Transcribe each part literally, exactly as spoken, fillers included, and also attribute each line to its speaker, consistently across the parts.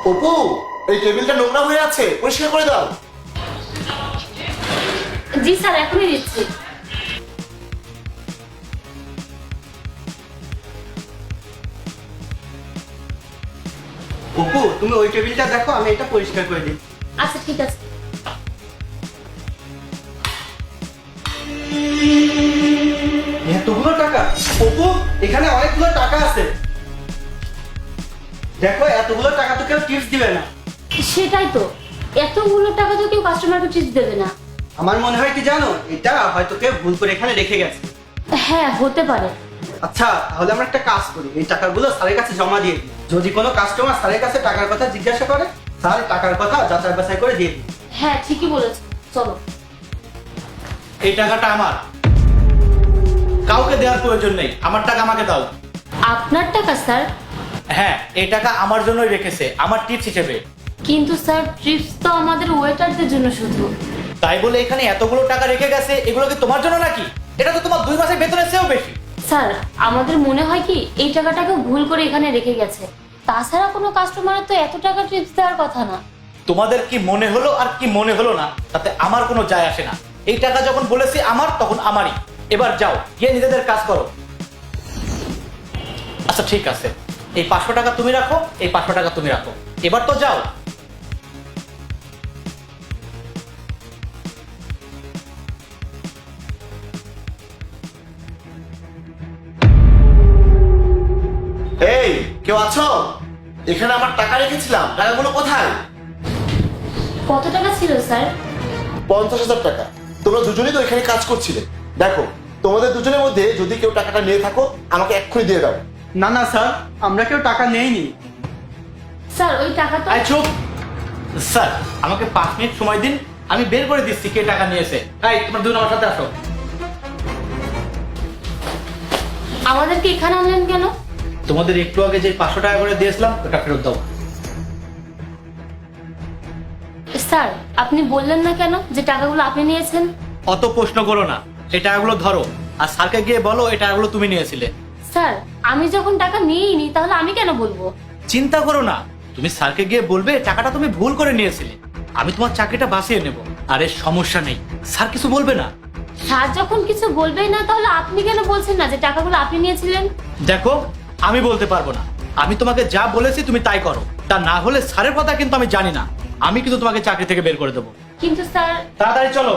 Speaker 1: অপু, এই টেবিলটা নোংরা হয়ে আছে, পরিষ্কার করে দাও।
Speaker 2: জি স্যার, এখনই দিচ্ছি।
Speaker 3: অপু, তুমি ওই টেবিলটা দেখো, আমি এটা পরিষ্কার করে দিই।
Speaker 2: আচ্ছা ঠিক আছে।
Speaker 3: এতগুলো টাকা? অপু, এখানে অনেকগুলো টাকা আছে। দেখো, এতগুলো টাকা তো কেউ টিপস দিবে না।
Speaker 2: সেটাই তো, এতগুলো টাকা তো কেউ কাস্টমারকে টিপস দেবে না।
Speaker 3: আমার মনে হয় কি জানো, এটা হয়তো কেউ ভুল করে এখানে রেখে গেছে।
Speaker 2: হ্যাঁ, হতে পারে।
Speaker 3: আচ্ছা, তাহলে আমরা একটা কাজ করি, এই টাকাগুলো স্যারের কাছে জমা দিয়ে দিই। যদি কোনো কাস্টমার স্যারের কাছে টাকার কথা জিজ্ঞাসা করে, স্যার টাকার কথা যাচাই বাছাই করে দিয়ে দিই।
Speaker 2: হ্যাঁ, ঠিকই বলেছ, চলো।
Speaker 4: এই টাকাটা আমার, কাউকে দেওয়ার প্রয়োজন নেই। আমার টাকা আমাকে দাও।
Speaker 2: আপনার টাকা স্যার?
Speaker 4: হ্যাঁ, এই টাকা আমার জন্যই রেখেছে, আমার টিপস হিসেবে।
Speaker 2: কিন্তু স্যার, ট্রিপস তো আমাদের ওয়েটারদের জন্য শুধু।
Speaker 4: তাই বলে এখানে এতগুলো টাকা রেখে গেছে, এগুলো কি তোমার জন্য নাকি? এটা তো তোমার দুই মাসের বেতনের চেয়েও বেশি।
Speaker 2: স্যার, আমাদের মনে হয় কি এই টাকাটাকে ভুল করে এখানে রেখে গেছে। তাছাড়া কোনো কাস্টমারের তো এত টাকা টিপস দেওয়ার কথা না।
Speaker 4: তোমাদের কি মনে হলো আর কি মনে হলো না, তাতে আমার কোনো যায় আসে না। এই টাকা যখন বলেছি আমার, তখন আমারই। এবার যাও, গিয়ে নিজেদের কাজ করো। আচ্ছা ঠিক আছে, এই পাঁচশো টাকা তুমি রাখো, এই পাঁচশো টাকা তুমি রাখো। এবার তো যাও।
Speaker 1: এই, কেউ আছো? এখানে আমার টাকা রেখেছিলাম, টাকাগুলো কোথায়?
Speaker 2: কত টাকা ছিল স্যার?
Speaker 1: পঞ্চাশ হাজার টাকা। তোমরা দুজনেই তো এখানে কাজ করছিলে। দেখো, তোমাদের দুজনের মধ্যে যদি কেউ টাকাটা নিয়ে থাকো, আমাকে এক্ষুনি দিয়ে দাও।
Speaker 3: না না স্যার, আমরা কেউ টাকা নেইনি।
Speaker 2: স্যার, ওই টাকা তো
Speaker 4: আই চুপ। স্যার, আমাকে পাঁচ মিনিট সময় দিন, আমি বের করে দিচ্ছি কে টাকা নিয়েছে। এই, তোমরা দুজন আমার সাথে আসো।
Speaker 2: আমাদেরকে এখানে আনলেন কেন?
Speaker 4: তোমাদের একটু আগে যে পাঁচশো টাকা করে দিয়েছিলাম, ওটা ফেরত দাও।
Speaker 2: স্যার, আপনি বললেন না কেন যে টাকাগুলো আপনি নিয়েছেন?
Speaker 4: অত প্রশ্ন করো না, এই টাকাগুলো ধরো, আর স্যারকে গিয়ে বলো এই টাকাগুলো তুমি নিয়েছিলে।
Speaker 2: স্যার, আমি যখন টাকা নিইনি, তাহলে আমি কেন বলবো?
Speaker 4: চিন্তা করো না, তুমি স্যারকে গিয়ে বলবে টাকাটা তুমি ভুল করে নিয়েছিলে, আমি তোমার চাকরিটা বাঁচিয়ে নেব। আরে সমস্যা নেই, স্যার কিছু বলবে না।
Speaker 2: স্যার যখন কিছু বলবেই না, তাহলে আপনি কেন বলছেন না যে টাকাগুলো আপনি নিয়েছিলেন?
Speaker 4: দেখো, আমি বলতে পারবো না। আমি তোমাকে যা বলেছি তুমি তাই করো, তা না হলে স্যারের কথা কিন্তু আমি জানি না, আমি কিন্তু তোমাকে চাকরি থেকে বের করে দেবো।
Speaker 2: কিন্তু স্যার,
Speaker 4: তাড়াতাড়ি চলো।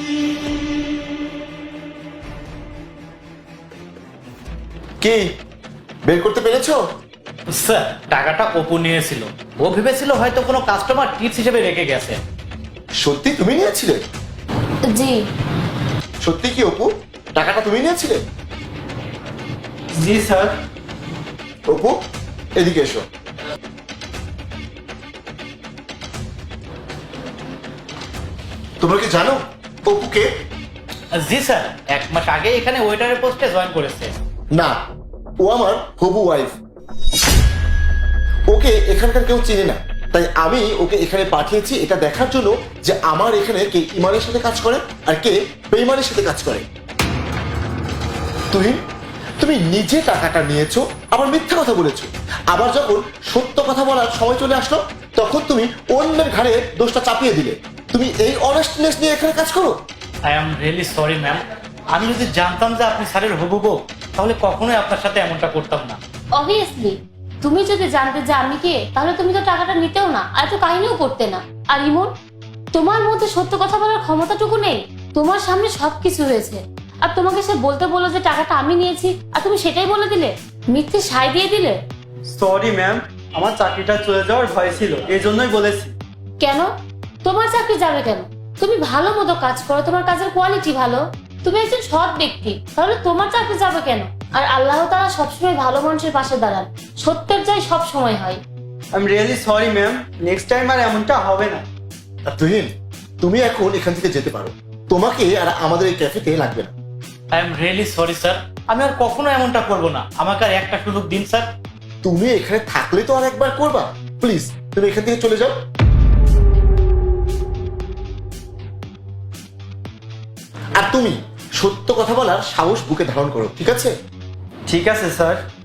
Speaker 1: কি বের করতে পেরেছো?
Speaker 4: স্যার, টাকাটা অপু নিয়েছিল, ও ভেবেছিল হয়তো কোনো কাস্টমার টিপস হিসেবে রেখে গেছে।
Speaker 1: সত্যি তুমি নিয়েছিলে?
Speaker 2: জি।
Speaker 1: সত্যি কি অপু, টাকাটা তুমি নিয়েছিলে?
Speaker 3: জি স্যার।
Speaker 1: অপু, এদিকে এসো। তোমরা কি জানো অপুকে?
Speaker 4: জি স্যার, এক মাস আগে এখানে ওয়েটারের পোস্টে জয়েন করেছে।
Speaker 1: না, ও আমার হবু ওয়াইফ। ওকে এখানকার কেউ চেনে না, তাই আমি ওকে এখানে পাঠিয়েছি এটা দেখার জন্য যে আমার এখানে কে ইমানের সাথে কাজ করে আর কে বেঈমানের সাথে কাজ করে। তুই তুমি নিজে টাকাটা নিয়েছো, আবার মিথ্যা কথা বলেছো, আবার যখন সত্য কথা বলার সময় চলে আসলো, তখন তুমি অন্যের ঘাড়ে দোষটা চাপিয়ে দিলে। তুমি এই অনেস্টনেস নিয়ে এখানে কাজ করো?
Speaker 4: I am really sorry ma'am. আমি যদি জানতাম যে আপনি স্যারের হবু বউ, তাহলে কখনোই আপনার সাথে এমনটা করতাম না।
Speaker 2: অবভিয়াসলি, তুমি যদি জানতে যে আমি কে, তাহলে তুমি তো টাকাটা নিতেও না, আর তো কাহিনীও করতে না। আর ইমন, তোমার মধ্যে সত্য কথা বলার ক্ষমতাটুকু নেই? তোমার সামনে সবকিছু হয়েছে, আর তোমাকে সে বলতে বললো যে টাকাটা আমি নিয়েছি, আর তুমি সেটাই বলে দিলে, মিথ্যে সায় দিয়ে দিলে।
Speaker 3: সরি ম্যাম, আমার চাকরিটা চলে যাওয়ার ভয় ছিল, এই জন্যই বলেছি।
Speaker 2: কেন? তোমার চাকরি যাবে কেন? তুমি ভালো মতো কাজ করো, তোমার কাজের কোয়ালিটি ভালো, তুমি একজন সৎ ব্যক্তি, তাহলে তোমার চাকরি যাবে কেন? আর আল্লাহ তাআলা সবসময় ভালো মানুষের পাশে দাঁড়ান, সত্যের জয় সব সময় হয়।
Speaker 3: I am really sorry ma'am, next time আর এমনটা হবে না।
Speaker 1: আর তুহিন, তুমি এখন এখান থেকে যেতে পারো, তোমাকে আর আমাদের এই ক্যাফেতে লাগবে না।
Speaker 4: I am really sorry sir, আমি আর কখনো এমনটা করব না, আমাকে আর একটা সুযোগ দিন স্যার।
Speaker 1: তুমি এখানে থাকলে তো আর একবার করবা, প্লিজ তুমি এখান থেকে চলে যাও। আর তুমি সত্য কথা বলার সাহস বুকে ধারণ করো, ঠিক আছে?
Speaker 3: ঠিক আছে স্যার।